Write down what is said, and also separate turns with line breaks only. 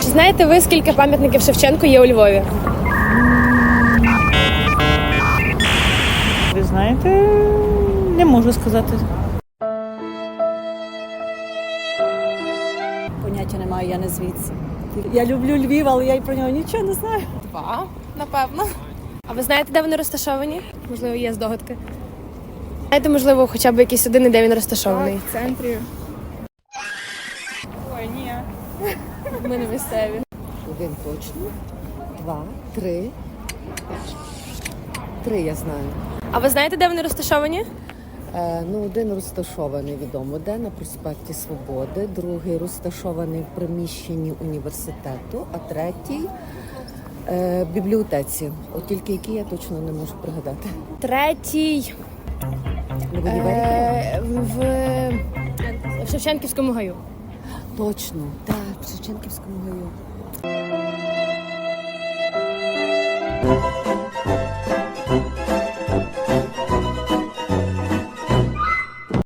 Чи знаєте ви, скільки пам'ятників Шевченку є у Львові?
Ви знаєте, не можу сказати.
Поняття немає, я не звідси. Я люблю Львів, але я й про нього нічого не знаю.
2, напевно. А ви знаєте, де вони розташовані? Можливо, є здогадки. Знаєте, можливо, хоча б якийсь один, де він розташований?
В центрі. Ой, ні.
Ми не місцеві.
1 точно, 2, 3. 3 я знаю.
А ви знаєте, де вони розташовані?
Один розташований відомо де на проспекті Свободи, другий розташований в приміщенні університету, а третій в бібліотеці. От тільки який я точно не можу пригадати.
Третій
Не в універі?
в Шевченківському гаю.
Точно, так, в Шевченківському гаю.